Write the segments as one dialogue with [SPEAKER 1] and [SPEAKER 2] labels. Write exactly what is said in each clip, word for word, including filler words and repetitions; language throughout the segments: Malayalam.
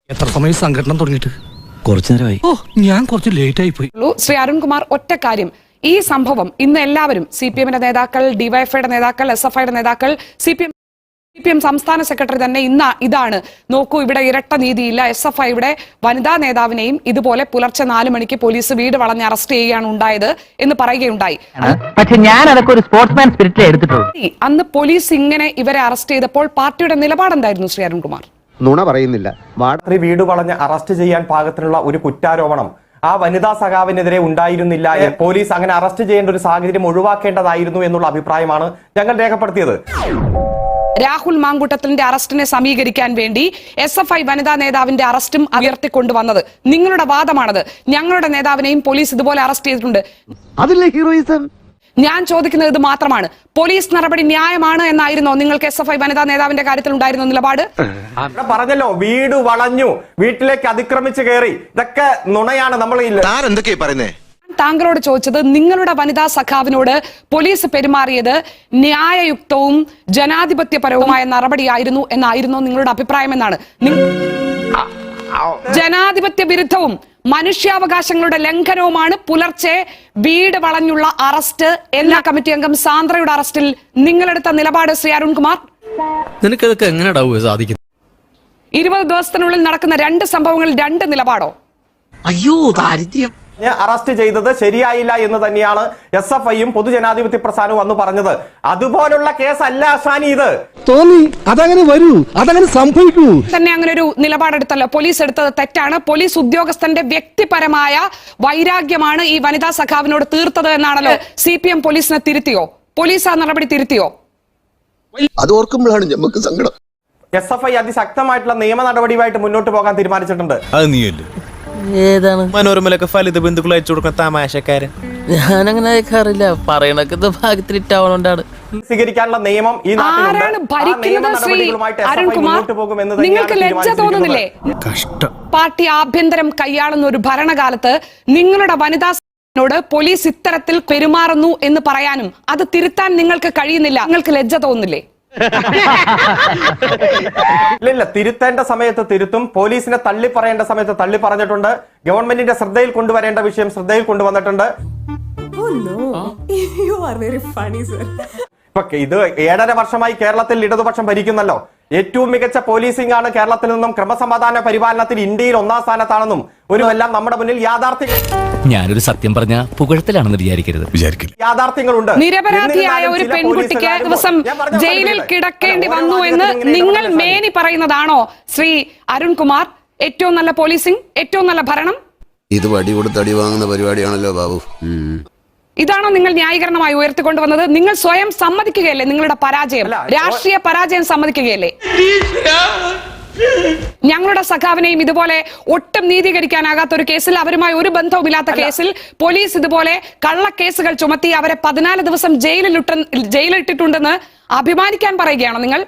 [SPEAKER 1] എത്ര സമയം സംഘടന തുടങ്ങിയിട്ട്?
[SPEAKER 2] കുറച്ചു നേരമായി.
[SPEAKER 1] ഓ, ഞാൻ കുറച്ച് ലേറ്റ് ആയി പോയി.
[SPEAKER 3] ശ്രീ അരുൺകുമാർ, ഒറ്റ കാര്യം, ഈ സംഭവം ഇന്ന് എല്ലാവരും സി പി എമ്മിന്റെ നേതാക്കൾ, ഡിവൈഎഫ്ഐയുടെ നേതാക്കൾ, എസ് എഫ് ഐയുടെ നേതാക്കൾ, C P M C P M സംസ്ഥാന സെക്രട്ടറി തന്നെ ഇന്ന് ഇതാണ്, നോക്കൂ ഇവിടെ ഇരട്ട നീതിയില്ല, എസ് എഫ് ഐയുടെ വനിതാ നേതാവിനെയും ഇതുപോലെ പുലർച്ചെ നാല് മണിക്ക് പോലീസ് വീട് വളഞ്ഞ് അറസ്റ്റ് ചെയ്യുകയാണ് ഉണ്ടായത് എന്ന് പറയുകയുണ്ടായി.
[SPEAKER 4] പക്ഷെ ഞാൻ അതൊക്കെ ഒരു സ്പോർട്സ്മാൻ സ്പിരിറ്റിൽ എടുത്തിട്ടുള്ളൂ.
[SPEAKER 3] അന്ന് പോലീസ് ഇങ്ങനെ ഇവരെ അറസ്റ്റ് ചെയ്തപ്പോൾ പാർട്ടിയുടെ നിലപാടെന്തായിരുന്നു ശ്രീ അരുൺകുമാർ?
[SPEAKER 5] നുണ പറയുന്നില്ല.
[SPEAKER 6] സ്ത്രീ വീട് വളഞ്ഞ് അറസ്റ്റ് ചെയ്യാൻ പാകത്തിനുള്ള ഒരു കുറ്റാരോപണം ആ വനിതാ സഖാവിനെതിരെ ഉണ്ടായിരുന്നില്ല. പോലീസ് അങ്ങനെ അറസ്റ്റ് ചെയ്യേണ്ട ഒരു സാഹചര്യം ഒഴിവാക്കേണ്ടതായിരുന്നു എന്നുള്ള അഭിപ്രായമാണ് ഞങ്ങൾ രേഖപ്പെടുത്തിയത്.
[SPEAKER 3] രാഹുൽ മാങ്കൂട്ടത്തിന്റെ അറസ്റ്റിനെ സമീകരിക്കാൻ വേണ്ടി എസ് എഫ് ഐ വനിതാ നേതാവിന്റെ അറസ്റ്റും ഉയർത്തിക്കൊണ്ടുവന്നത് നിങ്ങളുടെ വാദമാണത്. ഞങ്ങളുടെ നേതാവിനെയും പോലീസ് ഇതുപോലെ അറസ്റ്റ് ചെയ്തിട്ടുണ്ട്.
[SPEAKER 5] അതിലെ ഹീറോയിസം
[SPEAKER 3] ഞാൻ ചോദിക്കുന്നത് ഇത് മാത്രമാണ്, പോലീസ് നടപടി ന്യായമാണ് എന്നായിരുന്നോ നിങ്ങൾക്ക് എസ് എഫ് ഐ വനിതാ നേതാവിന്റെ കാര്യത്തിൽ ഉണ്ടായിരുന്ന നിലപാട്?
[SPEAKER 6] പറഞ്ഞല്ലോ, വീട് വളഞ്ഞു, വീട്ടിലേക്ക് അതിക്രമിച്ച് കയറി, ഇതൊക്കെ നുണയാണ്. നമ്മൾ
[SPEAKER 7] എന്തൊക്കെയാ പറയുന്നേ?
[SPEAKER 3] താങ്കളോട് ചോദിച്ചത് നിങ്ങളുടെ വനിതാ സഖാവിനോട് പോലീസ് പെരുമാറിയത് ന്യായയുക്തവും ജനാധിപത്യപരവുമായ നടപടിയായിരുന്നു എന്നായിരുന്നു നിങ്ങളുടെ അഭിപ്രായം എന്നാണ്. ജനാധിപത്യ വിരുദ്ധവും മനുഷ്യാവകാശങ്ങളുടെ ലംഘനവുമാണ് പുലർച്ചെ വീട് വളഞ്ഞുള്ള അറസ്റ്റ്. എല്ലാ കമ്മിറ്റി അംഗം സാന്ദ്രയുടെ അറസ്റ്റിൽ നിങ്ങളെടുത്ത നിലപാട് ശ്രീ അരുൺകുമാർ?
[SPEAKER 1] നിനക്കതൊക്കെ എങ്ങനെയാ സാധിക്കുന്നത്?
[SPEAKER 3] ഇരുപത് ദിവസത്തിനുള്ളിൽ നടക്കുന്ന രണ്ട് സംഭവങ്ങളിൽ രണ്ട് നിലപാടോ?
[SPEAKER 4] അയ്യോ ദാരിദ്ര്യം.
[SPEAKER 6] അറസ്റ്റ് ചെയ്തത് ശരിയായില്ല എന്ന് തന്നെയാണ് എസ് എഫ് ഐയും പൊതുജനാധിപത്യ പ്രസ്ഥാനവും അന്ന് പറഞ്ഞത്. അതുപോലുള്ള കേസല്ല അസാനി ഇത്.
[SPEAKER 5] തോന്നി അതങ്ങനെ വരൂ, അതങ്ങനെ സംഭവിക്കൂ.
[SPEAKER 3] തന്നെ അങ്ങനെ ഒരു നിലപാടെടുത്തല്ലോ, പോലീസ് എടുത്തത് തെറ്റാണ്. പോലീസ് ഉദ്യോഗസ്ഥന്റെ വ്യക്തിപരമായ വൈരാഗ്യമാണ് ഈ വനിതാ സഖാവിനോട് തീർത്തത് എന്നാണല്ലോ. സി പി എം പോലീസിനെ തിരുത്തിയോ? പോലീസ് ആ നടപടി തിരുത്തിയോ?
[SPEAKER 7] അത് ഓർക്കുമ്പോഴാണ് നമുക്ക് സങ്കടം.
[SPEAKER 6] എസ് എഫ് ഐ അതിശക്തമായിട്ടുള്ള നിയമ നടപടിയുമായിട്ട് മുന്നോട്ട് പോകാൻ തീരുമാനിച്ചിട്ടുണ്ട്.
[SPEAKER 2] അത് നീയല്ലേ
[SPEAKER 4] ഏതാണ്
[SPEAKER 2] മനോരമയിലൊക്കെ ഫലിത ബന്ധുക്കൾ അയച്ചു കൊടുക്കുന്ന തമാശക്കാരൻ?
[SPEAKER 4] ഞാനങ്ങനെ അയക്കാറില്ല, പറയണൊക്കെ ഭാഗ്യത്തിലിട്ടാവണോണ്ടാണ്.
[SPEAKER 6] സ്വീകരിക്കാനുള്ള നിയമം ഈ
[SPEAKER 3] ആരാണ് ഭരിക്കുന്നത്? ശ്രീ അരുൺകുമാർ, നിങ്ങൾക്ക് ലജ്ജ തോന്നുന്നില്ലേ? പാർട്ടി ആഭ്യന്തരം കൈയാളുന്ന ഒരു ഭരണകാലത്ത് നിങ്ങളുടെ വനിതാ ോട് പോലീസ് ഇത്തരത്തിൽ പെരുമാറുന്നു എന്ന് പറയാനും അത് തിരുത്താൻ നിങ്ങൾക്ക് കഴിയുന്നില്ല. നിങ്ങൾക്ക് ലജ്ജ തോന്നുന്നില്ലേ?
[SPEAKER 6] ഇല്ല, തിരുത്തേണ്ട സമയത്ത് തിരുത്തും. പോലീസിനെ തള്ളി പറയേണ്ട സമയത്ത് തള്ളി പറഞ്ഞിട്ടുണ്ട്. ഗവൺമെന്റിന്റെ ശ്രദ്ധയിൽ കൊണ്ടുവരേണ്ട വിഷയം ശ്രദ്ധയിൽ കൊണ്ടുവന്നിട്ടുണ്ട്. ഇപ്പൊ ഇത് ഏഴര വർഷമായി കേരളത്തിൽ ഇടതുപക്ഷം ഭരിക്കുന്നല്ലോ. ഏറ്റവും മികച്ച പോലീസിംഗ് ആണ് കേരളത്തിൽ നിന്നും. ക്രമസമാധാന പരിപാലനത്തിൽ ഇന്ത്യയിൽ ഒന്നാം സ്ഥാനത്താണെന്നും ഒരു എല്ലാം നമ്മുടെ മുന്നിൽ യാഥാർത്ഥ്യം.
[SPEAKER 8] ഞാനൊരു സത്യം പറഞ്ഞ പുകഴത്തിലാണെന്ന് വിചാരിക്കരുത് വിചാരിക്കില്ല
[SPEAKER 6] യാഥാർത്ഥ്യങ്ങളുണ്ട്.
[SPEAKER 3] നിരപരാധിയായ ഒരു പെൺകുട്ടിക്ക് ദിവസം ജയിലിൽ കിടക്കേണ്ടി വന്നു എന്ന് നിങ്ങൾ മേനി പറയുന്നതാണോ ശ്രീ അരുൺകുമാർ ഏറ്റവും നല്ല പോലീസിംഗ്, ഏറ്റവും നല്ല ഭരണം?
[SPEAKER 7] ഇത് വടി കൊടുത്ത് അടി വാങ്ങുന്ന പരിപാടിയാണല്ലോ ബാബു.
[SPEAKER 3] ഇതാണോ നിങ്ങൾ ന്യായീകരണമായി ഉയർത്തിക്കൊണ്ടുവന്നത്? നിങ്ങൾ സ്വയം സമ്മതിക്കുകയല്ലേ നിങ്ങളുടെ പരാജയം, രാഷ്ട്രീയ പരാജയം സമ്മതിക്കുകയല്ലേ? ഞങ്ങളുടെ സഖാവിനെയും ഇതുപോലെ ഒട്ടും നീതീകരിക്കാനാകാത്ത ഒരു കേസിൽ, അവരുമായി ഒരു ബന്ധവുമില്ലാത്ത കേസിൽ പോലീസ് ഇതുപോലെ കള്ളക്കേസുകൾ ചുമത്തി അവരെ പതിനാല് ദിവസം ജയിലിലിട്ട ജയിലിട്ടിട്ടുണ്ടെന്ന് അഭിമാനിക്കാൻ പറയുകയാണോ നിങ്ങൾ?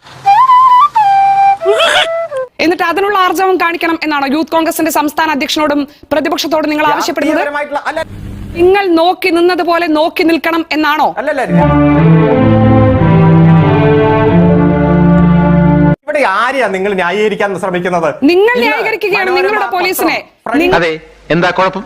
[SPEAKER 3] എന്നിട്ട് അതിനുള്ള ആർജവം കാണിക്കണം എന്നാണോ യൂത്ത് കോൺഗ്രസിന്റെ സംസ്ഥാന അധ്യക്ഷനോടും പ്രതിപക്ഷത്തോടും നിങ്ങൾ ആവശ്യപ്പെടുന്നത്? നിങ്ങൾ നോക്കി നിന്നതുപോലെ നോക്കി നിൽക്കണം എന്നാണോ?
[SPEAKER 6] ഇവിടെ ആരെയാ നിങ്ങൾ ന്യായീകരിക്കാൻ ശ്രമിക്കുന്നത്?
[SPEAKER 3] നിങ്ങൾ ന്യായീകരിക്കുകയാണ് നിങ്ങളുടെ പോലീസിനെ.
[SPEAKER 4] എന്താ കുഴപ്പം?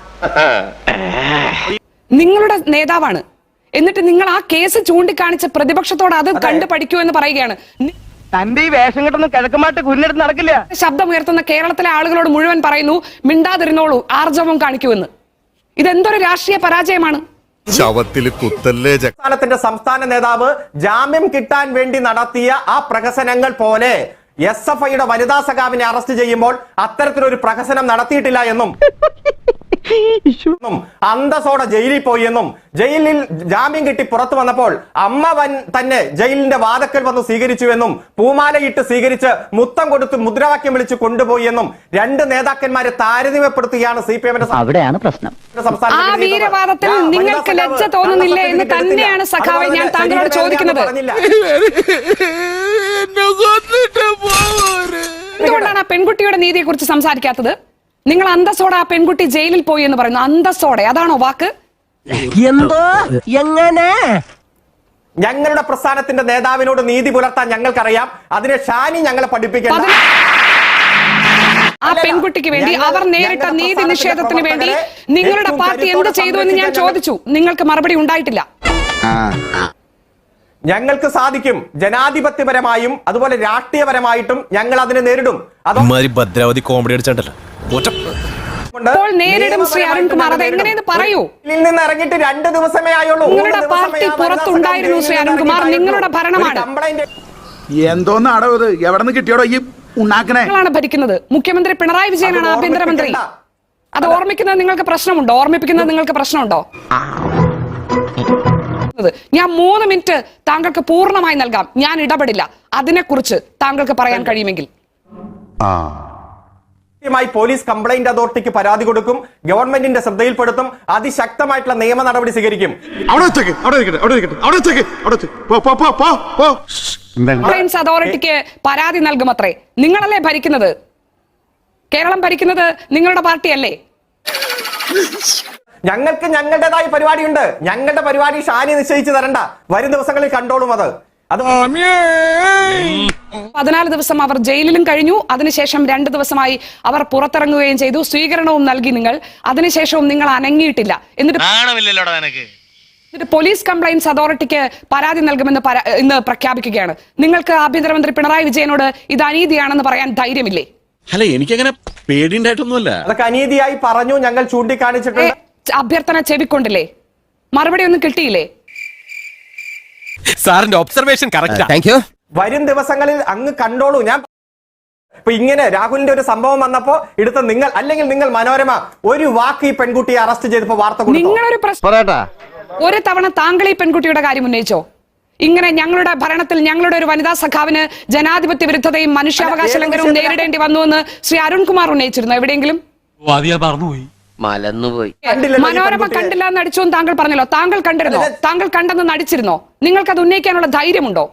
[SPEAKER 3] നിങ്ങളുടെ നേതാവാണ്, എന്നിട്ട് നിങ്ങൾ ആ കേസ് ചൂണ്ടിക്കാണിച്ച പ്രതിപക്ഷത്തോട് അത് കണ്ടു പഠിക്കൂ എന്ന് പറയുകയാണ്.
[SPEAKER 4] തന്റെ ഈ വേഷം കെട്ടൊന്നും കിഴക്കുമായിട്ട് കുഞ്ഞെടുത്ത് നടക്കില്ല.
[SPEAKER 3] ശബ്ദമുയർത്തുന്ന കേരളത്തിലെ ആളുകളോട് മുഴുവൻ പറയുന്നു മിണ്ടാതിരുന്നോളൂ, ആർജവം കാണിക്കുമെന്ന്. ഇതെന്തൊരു രാഷ്ട്രീയ പരാജയമാണ്?
[SPEAKER 6] സംസ്ഥാനത്തിന്റെ സംസ്ഥാന നേതാവ് ജാമ്യം കിട്ടാൻ വേണ്ടി നടത്തിയ ആ പ്രഹസനങ്ങൾ പോലെ എസ് എഫ് ഐയുടെ വനിതാ സഖാവിനെ അറസ്റ്റ് ചെയ്യുമ്പോൾ അത്തരത്തിലൊരു പ്രഹസനം നടത്തിയിട്ടില്ല എന്നും അന്തസ്സോടെ ജയിലിൽ പോയി എന്നും ജയിലിൽ ജാമ്യം കിട്ടി പുറത്തു വന്നപ്പോൾ അമ്മ വൻ തന്നെ ജയിലിന്റെ വാതക്കൽ വന്ന് സ്വീകരിച്ചു എന്നും പൂമാലയിട്ട് സ്വീകരിച്ച് മുത്തം കൊടുത്ത് മുദ്രാവാക്യം വിളിച്ച് കൊണ്ടുപോയി എന്നും രണ്ട് നേതാക്കന്മാരെ താരതമ്യപ്പെടുത്തുകയാണ് സി പി എമ്മിന്റെ.
[SPEAKER 4] അവിടെയാണ് പ്രശ്നം.
[SPEAKER 3] ആ വീരവാദത്തിൽ നിങ്ങൾക്ക് ലജ്ജ തോന്നുന്നില്ലേ എന്ന് തന്നെയാണ് സഖാവെ ഞാൻ താങ്കളോട് ചോദിക്കുന്നത്. എന്തുകൊണ്ടാണ് ആ പെൺകുട്ടിയുടെ നീതിയെ കുറിച്ച് സംസാരിക്കാത്തത്? നിങ്ങൾ അന്തസ്സോടെ ആ പെൺകുട്ടി ജയിലിൽ പോയി എന്ന് പറയുന്നു. അന്തസ്സോടെ, അതാണോ വാക്ക്?
[SPEAKER 4] എന്തോ എങ്ങനെ?
[SPEAKER 6] ഞങ്ങളുടെ പ്രസ്ഥാനത്തിന്റെ നേതാവിനോട് നീതി പുലർത്താൻ ഞങ്ങൾക്കറിയാം. അതിനെ ഷാനി ഞങ്ങളെ പഠിപ്പിക്കണം.
[SPEAKER 3] ആ പെൺകുട്ടിക്ക് വേണ്ടി അവർ നേരിട്ട നീതി നിഷേധത്തിന് വേണ്ടി നിങ്ങളുടെ പാർട്ടി എന്ത് ചെയ്തു എന്ന് ഞാൻ ചോദിച്ചു. നിങ്ങൾക്ക് മറുപടി ഉണ്ടായിട്ടില്ല.
[SPEAKER 6] ഞങ്ങൾക്ക് സാധിക്കും. ജനാധിപത്യപരമായും അതുപോലെ രാഷ്ട്രീയപരമായിട്ടും ഞങ്ങൾ അതിനെ നേരിടും.
[SPEAKER 2] ഭദ്രാവതി കോമഡി അടിച്ചിട്ടല്ലോ.
[SPEAKER 3] അപ്പോൾ നേരിടും ശ്രീ അരുൺകുമാർ, അത് എങ്ങനെയെന്ന് പറയൂ.
[SPEAKER 6] നിന്ന് ഇറങ്ങിയിട്ട് രണ്ട് ദിവസമേ ആയുള്ളൂ.
[SPEAKER 3] നിങ്ങളുടെ പാർട്ടി പുറത്തുണ്ടായിരുന്നു ശ്രീ അരുൺകുമാർ, നിങ്ങളുടെ ഭരണമാണ്.
[SPEAKER 9] എന്തോന്നാടോ ഇത്? എവിടെ നിന്ന് കിട്ടിയോടോ ഈ ഉണ്ടാക്കണേ?
[SPEAKER 3] നിങ്ങളാണ് ഭരിക്കുന്നത്. മുഖ്യമന്ത്രി പിണറായി വിജയനാണ് ആഭ്യന്തരമന്ത്രി. അത് ഓർമ്മിക്കുന്നത് നിങ്ങൾക്ക് പ്രശ്നമുണ്ടോ? ഓർമ്മിപ്പിക്കുന്നത് നിങ്ങൾക്ക് പ്രശ്നമുണ്ടോ? ഞാൻ മൂന്ന് മിനിറ്റ് താങ്കൾക്ക് പൂർണ്ണമായി നൽകാം. ഞാൻ ഇടപെടില്ല. അതിനെക്കുറിച്ച് താങ്കൾക്ക് പറയാൻ കഴിയുമെങ്കിൽ.
[SPEAKER 6] പോലീസ് കംപ്ലൈന്റ് അതോറിറ്റിക്ക് പരാതി കൊടുക്കും, ഗവൺമെന്റിന്റെ ശ്രദ്ധയിൽപ്പെടുത്തും, അതിശക്തമായിട്ടുള്ള നിയമ നടപടി സ്വീകരിക്കും.
[SPEAKER 3] കംപ്ലൈന്റ്സ് അതോറിറ്റിക്ക് പരാതി നൽകുമത്രേ. നിങ്ങളല്ലേ ഭരിക്കുന്നത്? കേരളം ഭരിക്കുന്നത് നിങ്ങളുടെ പാർട്ടിയല്ലേ?
[SPEAKER 6] ഞങ്ങൾക്ക് ഞങ്ങളുടേതായ പരിപാടിയുണ്ട്. ഞങ്ങളുടെ പരിപാടി ഷാനി നിശ്ചയിച്ചു തരണ്ട. വരും ദിവസങ്ങളിൽ കണ്ടോളും. അത് അത്
[SPEAKER 3] പതിനാല് ദിവസം അവർ ജയിലിലും കഴിഞ്ഞു. അതിനുശേഷം രണ്ട് ദിവസമായി അവർ പുറത്തിറങ്ങുകയും ചെയ്തു. സ്വീകരണവും നൽകി നിങ്ങൾ. അതിനുശേഷവും നിങ്ങൾ അനങ്ങിയിട്ടില്ല. എന്നിട്ട് എന്നിട്ട് പോലീസ് കംപ്ലൈന്റ്സ് അതോറിറ്റിക്ക് പരാതി നൽകുമെന്ന് ഇന്ന് പ്രഖ്യാപിക്കുകയാണ്. നിങ്ങൾക്ക് ആഭ്യന്തരമന്ത്രി പിണറായി വിജയനോട് ഇത് അനീതിയാണെന്ന് പറയാൻ ധൈര്യമില്ലേ?
[SPEAKER 2] അല്ല, എനിക്കങ്ങനെ പേടിയുണ്ടായിട്ടൊന്നുമല്ല.
[SPEAKER 6] അതൊക്കെ അനീതിയായി പറഞ്ഞു, ഞങ്ങൾ ചൂണ്ടിക്കാണിച്ചിട്ടുണ്ട്.
[SPEAKER 3] അഭ്യർത്ഥന ചെവിക്കൊണ്ടില്ലേ? മറുപടി ഒന്നും കിട്ടിയില്ലേ?
[SPEAKER 2] സാറിന്റെ ഒബ്സർവേഷൻ കറക്റ്റാ.
[SPEAKER 6] വരും ദിവസങ്ങളിൽ അങ്ങ് കണ്ടോളൂ. ഞാൻ ഇപ്പൊ ഇങ്ങനെ രാഹുലിന്റെ ഒരു സംഭവം വന്നപ്പോ എടുത്ത നിങ്ങൾ, അല്ലെങ്കിൽ നിങ്ങൾ മനോരമ ഒരു വാക്ക് ഈ പെൺകുട്ടിയെ അറസ്റ്റ് ചെയ്തപ്പോ വാർത്ത
[SPEAKER 3] നിങ്ങളൊരു ഒരു തവണ താങ്കൾ ഈ പെൺകുട്ടിയുടെ കാര്യം ഉന്നയിച്ചോ? ഇങ്ങനെ ഞങ്ങളുടെ ഭരണത്തിൽ ഞങ്ങളുടെ ഒരു വനിതാ സഖാവിന് ജനാധിപത്യ വിരുദ്ധതയും മനുഷ്യാവകാശ ലംഘനവും നേരിടേണ്ടി വന്നുവെന്ന് ശ്രീ അരുൺകുമാർ ഉന്നയിച്ചിരുന്നു എവിടെയെങ്കിലും? മനോരമ കണ്ടില്ല എന്ന് നടിച്ചു എന്ന് താങ്കൾ പറഞ്ഞല്ലോ. താങ്കൾ കണ്ടിരുന്നോ? താങ്കൾ കണ്ടെന്ന് നടിച്ചിരുന്നോ? നിങ്ങൾക്ക് അത് ഉന്നയിക്കാനുള്ള ധൈര്യമുണ്ടോ?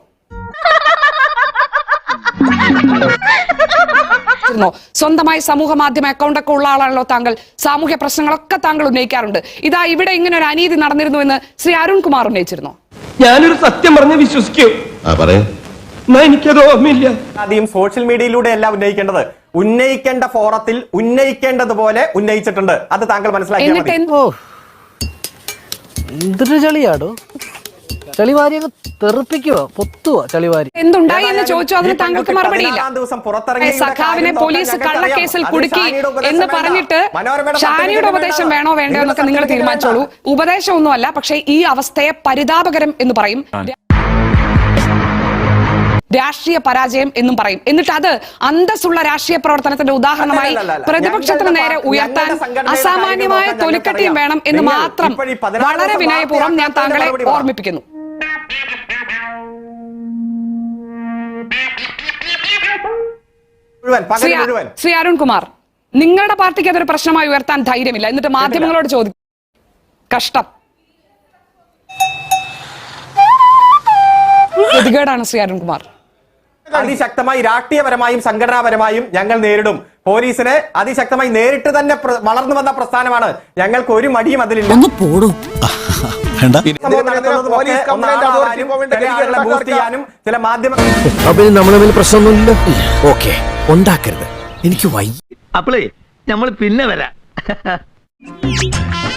[SPEAKER 3] സ്വന്തമായി സമൂഹ മാധ്യമ അക്കൗണ്ട് ഒക്കെ ഉള്ള ആളാണല്ലോ താങ്കൾ. സാമൂഹ്യ പ്രശ്നങ്ങളൊക്കെ താങ്കൾ ഉന്നയിക്കാറുണ്ട്. ഇതാ ഇവിടെ ഇങ്ങനെ ഒരു അനീതി നടന്നിരുന്നു എന്ന് ശ്രീ അരുൺകുമാർ ഉന്നയിച്ചിരുന്നോ?
[SPEAKER 4] ഞാനൊരു സത്യം പറഞ്ഞ് വിശ്വസിക്കൂ. എനിക്കത് ഓർമ്മയില്ല.
[SPEAKER 6] ആദ്യം സോഷ്യൽ മീഡിയയിലൂടെ അല്ല ഉന്നയിക്കേണ്ടത്. ഉന്നയിക്കേണ്ട ഫോറത്തിൽ ഉന്നയിക്കേണ്ടതുപോലെ ഉന്നയിച്ചിട്ടുണ്ട്. അത് താങ്കൾ മനസ്സിലാക്കിയാൽ മതി.
[SPEAKER 1] എന്തൊരു ചളിയാടോ, ചളിവാരി തെറിപ്പിക്കുവോ, പൊത്തുവോ ചളിവാരി?
[SPEAKER 3] എന്തുണ്ടായി എന്ന് ചോദിച്ചു. അതിന് താങ്കൾക്ക് മറുപടിയില്ല. സഖാവിനെ പോലീസ് കള്ളക്കേസിൽ കുടുക്കി എന്ന് പറഞ്ഞിട്ട് ഷാനിയുടെ ഉപദേശം വേണോ വേണ്ടോ എന്നൊക്കെ നിങ്ങൾ തീരുമാനിച്ചോളൂ. ഉപദേശം ഒന്നുമല്ല, പക്ഷേ ഈ അവസ്ഥയെ പരിതാപകരം എന്ന് പറയും, രാഷ്ട്രീയ പരാജയം എന്നും പറയും. എന്നിട്ട് അത് അന്തസ്സുള്ള രാഷ്ട്രീയ പ്രവർത്തനത്തിന്റെ ഉദാഹരണമായി പ്രതിപക്ഷത്തിന് നേരെ ഉയർത്താൻ അസാമാന്യമായ തൊലിക്കട്ടിയും വേണം എന്ന് മാത്രം വളരെ വിനയപൂർവ്വം ഞാൻ താങ്കളെ ഓർമ്മിപ്പിക്കുന്നു. ശ്രീ അരുൺകുമാർ, നിങ്ങളുടെ പാർട്ടിക്ക് അതൊരു പ്രശ്നമായി ഉയർത്താൻ ധൈര്യമില്ല. എന്നിട്ട് മാധ്യമങ്ങളോട് ചോദിക്കും. കഷ്ടം, ഗതികേടാണ് ശ്രീ അരുൺകുമാർ.
[SPEAKER 6] അതിശക്തമായി രാഷ്ട്രീയപരമായും സംഘടനാപരമായും ഞങ്ങൾ നേരിടും. പോലീസിനെ അതിശക്തമായി നേരിട്ട് തന്നെ വളർന്നു വന്ന പ്രസ്ഥാനമാണ്. ഞങ്ങൾക്ക് ഒരു മടിയും അതിലില്ല. ചില മാധ്യമ
[SPEAKER 1] പ്രശ്നമൊന്നുമില്ല. ഓക്കെ, ഉണ്ടാക്കരുത്, എനിക്ക് വൈ.
[SPEAKER 4] അപ്പളേ നമ്മൾ പിന്നെ വരാം.